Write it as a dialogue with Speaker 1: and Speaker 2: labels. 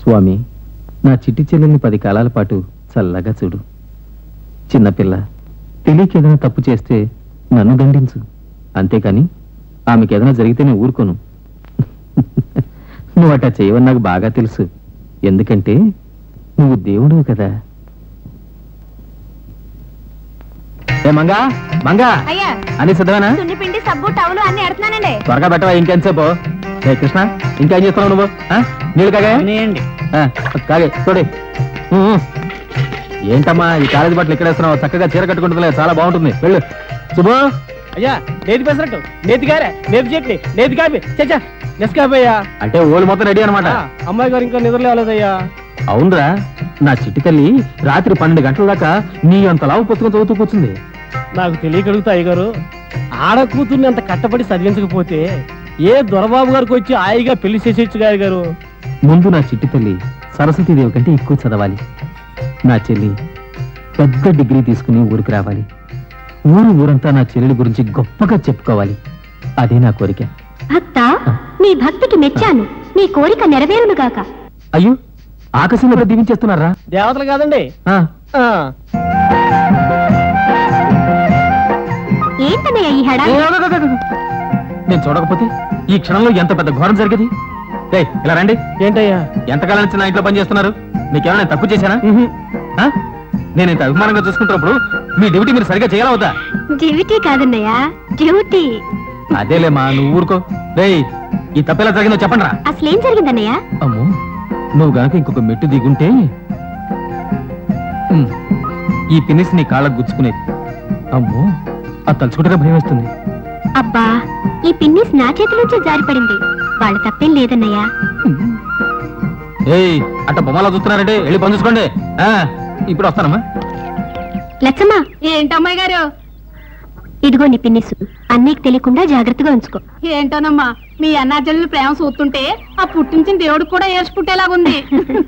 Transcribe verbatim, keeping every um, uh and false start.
Speaker 1: స్వామి, నా చిట్టి చెల్లెల్ని పది కాలాల పాటు చల్లగా చూడు. చిన్నపిల్ల తెలియక ఏదైనా తప్పు చేస్తే నన్ను దండించు, అంతేకాని ఆమెకి ఏదైనా జరిగితే నేను ఊరుకోను. నువ్వు అట్టా చేయవని నాకు బాగా తెలుసు, ఎందుకంటే నువ్వు దేవుడు కదా. ఏ మంగా మంగా
Speaker 2: అయ్యా
Speaker 1: అని సిద్ధమేనా?
Speaker 2: సున్నిపిండి సబ్బు టవలు అన్ని ఎడుతున్నానండి.
Speaker 1: త్వరగా పెట్టవా, ఇంకెంతసేపు? ఏ కృష్ణ, ఇంకేం చేస్తున్నావు నువ్వు? ఆ? నీళ్ళు కాగా కాగే చూడే. ఏంటమ్మా ఈ కాలేజీ బట్టలు ఇక్కడ వేస్తున్నావు? చక్కగా చీర కట్టుకుంటుందిలే, చాలా బాగుంటుంది. వెళ్ళు శుభు.
Speaker 3: అయ్యా నేతి పెసరట్టు, నేతి గారె, నేతి చట్నీ, నేతి కాపీ, చచ్చా నెస్కాపయ్యా.
Speaker 1: అంటే ఓళ్ళు మొత్తం రెడీ అనమాట.
Speaker 3: అమ్మాయి గారు ఇంకా నిద్ర లేవలేదయ్యా.
Speaker 1: అవునరా, నా చిట్టి తల్లి రాత్రి పన్నెండు గంటల దాకా నీ అంత లావు పుస్తకం చదువుతూ కూర్చుంది.
Speaker 3: నాకు తెలియకడుగుతా అయ్యగారు, ఆడ కూతుర్ని అంత కట్టబడి చదివించకపోతే ఏ దొరబాబు గారికి వచ్చి హాయిగా పెళ్లి చేసేచ్చు గారు గారు.
Speaker 1: ముందు నా చిట్టి తల్లి సరస్వతీదేవి కంటే ఎక్కువ చదవాలి. నా చెల్లి పెద్ద డిగ్రీ తీసుకుని ఊరికి రావాలి. ఊరు ఊరంతా నా చెల్లెలి గురించి గొప్పగా చెప్పుకోవాలి. అదే నా కోరిక.
Speaker 2: భక్త, నీ భక్తికి మెచ్చాను. నీ కోరిక నెరవేరును గాక.
Speaker 1: అయ్యో, ఆకాశంలో దీవించేస్తున్నారా?
Speaker 3: దేవతలు కాదండి.
Speaker 1: ఆ,
Speaker 3: ఆ,
Speaker 2: ఏంటన్నయ్య ఈ హడా?
Speaker 1: ఏ, ఆగు, ఆగు, ఆగు. నేను చూడకపోతే ఈ క్షణంలో ఎంత పెద్ద ఘోరం జరిగేది. రేయ్, ఇలా రండి.
Speaker 3: ఏంటయ్యా?
Speaker 1: ఎంతకాలం నుంచి నా ఇంట్లో పని చేస్తున్నారు? మీకేమైనా నేను తక్కువ చేశానా? ఆ? నేను ఇంత అభిమానంగా చూసుకుంటున్నప్పుడు మీ డ్యూటీ మీరు సరిగా చేయాలా వద్దా?
Speaker 2: Duty కాదన్నయ్య, duty.
Speaker 1: అదేలేమా, నువ్వు ఊరుకో. రేయ్, ఈ తప్పెలా జరిగిందో చెప్పండి రా.
Speaker 2: అసలేం జరిగిందన్నయ్య?
Speaker 1: అమ్మో, నువ్వు గనక ఇంకొక మెట్టు దిగుంటే ఉమ్, ఈ పినిస్ నీ కాళ్ళకు గుచ్చుకునేది. అమ్మో, అది తలుచుకుంటే భయం వేస్తుంది.
Speaker 2: అబ్బా, ఈ పిన్నిస్ నా చేతిలోంచి జారిపడింది. వాళ్ళ తప్పేం లేదన్నయ్య.
Speaker 1: ఏయ్, అట్ట బొమ్మలా చూస్తున్నారంటే వెళ్ళి పని చూసుకోండి. ఆ, ఇప్పుడు వస్తానమ్మా.
Speaker 2: లచ్చమ్మా. ఏంటమ్మాయి గారు? ఇదిగో నీ పిన్నిసు, అన్నయ్యకి తెలియకుండా జాగ్రత్తగా ఉంచుకో.
Speaker 4: ఏంటోనమ్మా, మీ అన్నాచెల్లెలు ప్రేమ చూస్తుంటే ఆ పుట్టించిన దేవుడికి కూడా ఏర్చి పుట్టేలాగుంది.